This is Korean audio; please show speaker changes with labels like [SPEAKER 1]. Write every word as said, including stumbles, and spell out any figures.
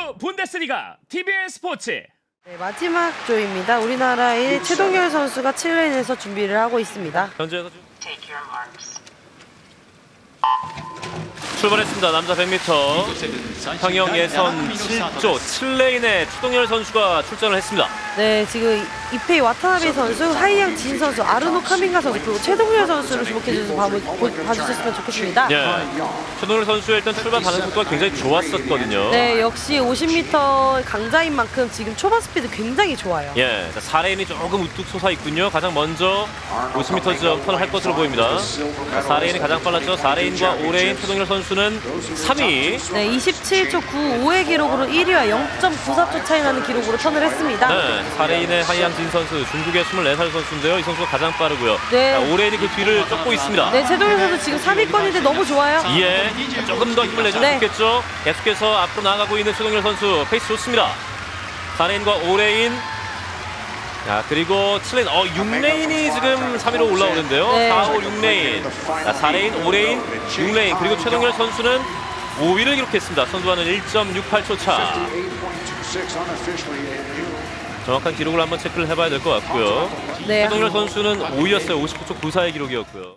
[SPEAKER 1] 분데스리가 티비엔 스포츠.
[SPEAKER 2] 네, 마지막 조입니다. 우리나라의 최동열 선수가 칠 레인에서 준비를 하고 있습니다.
[SPEAKER 1] 현재에서 출발했습니다. 남자 백 미터 평영 예선 칠 조 칠 레인에 최동열 선수가 출전을 했습니다.
[SPEAKER 2] 네, 지금 이페이 와타나베 선수, 하이양 진 선수, 아르노 카민가 선수, 그리고 최동열 선수를 주목해주셔서 봐, 봐주셨으면 좋겠습니다.
[SPEAKER 1] 예, 최동열 선수의 일단 출발 반응 속도가 굉장히 좋았었거든요.
[SPEAKER 2] 네, 역시 오십 미터 강자인 만큼 지금 초반 스피드 굉장히 좋아요.
[SPEAKER 1] 예, 자, 사 레인이 조금 우뚝 솟아 있군요. 가장 먼저 오십 미터 점프를 할 것으로 보입니다. 자, 사 레인이 가장 빨랐죠. 사 레인과 오 레인 최동열 선수는 삼 위.
[SPEAKER 2] 네, 이십칠 초 구십오의 기록으로 일 위와 영 점 구사 초 차이 나는 기록으로 턴을 했습니다.
[SPEAKER 1] 네, 사 레인의 하이양진 선수, 중국의 스물네 살 선수인데요. 이 선수가 가장 빠르고요.
[SPEAKER 2] 네.
[SPEAKER 1] 자, 오 레인이 그 뒤를 쫓고 있습니다.
[SPEAKER 2] 네, 최동열 선수 지금 삼 위권인데 너무 좋아요.
[SPEAKER 1] 예, 조금 더 힘을 내주면
[SPEAKER 2] 네.
[SPEAKER 1] 좋겠죠. 계속해서 앞으로 나아가고 있는 최동열 선수, 페이스 좋습니다. 사 레인과 오 레인. 자, 그리고 칠 레인, 어, 육 레인이 지금 삼 위로 올라오는데요.
[SPEAKER 2] 네.
[SPEAKER 1] 사, 오, 육 레인. 자, 사 레인, 오 레인, 육 레인. 그리고 최동열 선수는 오 위를 기록했습니다. 선두와는 일 점 육팔 초 차. 정확한 기록을 한번 체크를 해봐야 될 것 같고요.
[SPEAKER 2] 네.
[SPEAKER 1] 최동열 선수는 오 위였어요. 오십구 초 구사의 기록이었고요.